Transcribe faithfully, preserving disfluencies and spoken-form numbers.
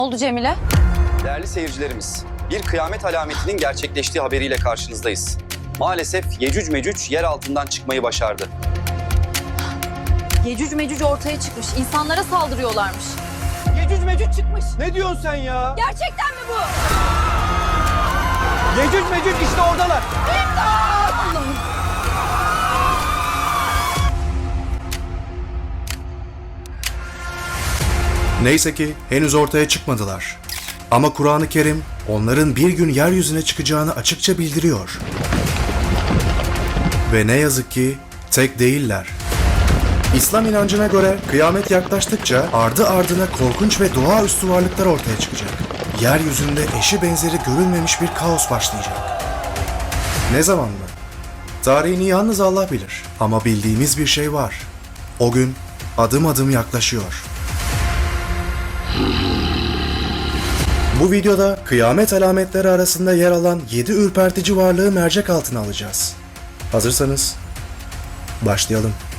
Oldu Cemile? Değerli seyircilerimiz, bir kıyamet alametinin gerçekleştiği haberiyle karşınızdayız. Maalesef Yecüc Mecüc yer altından çıkmayı başardı. Yecüc Mecüc ortaya çıkmış. İnsanlara saldırıyorlarmış. Yecüc Mecüc çıkmış. Ne diyorsun sen ya? Gerçekten mi bu? Yecüc Mecüc işte oradalar. Allah'ım. Neyse ki henüz ortaya çıkmadılar. Ama Kur'an-ı Kerim onların bir gün yeryüzüne çıkacağını açıkça bildiriyor. Ve ne yazık ki tek değiller. İslam inancına göre kıyamet yaklaştıkça ardı ardına korkunç ve doğaüstü varlıklar ortaya çıkacak. Yeryüzünde eşi benzeri görülmemiş bir kaos başlayacak. Ne zaman mı? Tarihini yalnız Allah bilir. Ama bildiğimiz bir şey var. O gün adım adım yaklaşıyor. Bu videoda kıyamet alametleri arasında yer alan yedi ürpertici varlığı mercek altına alacağız. Hazırsanız başlayalım.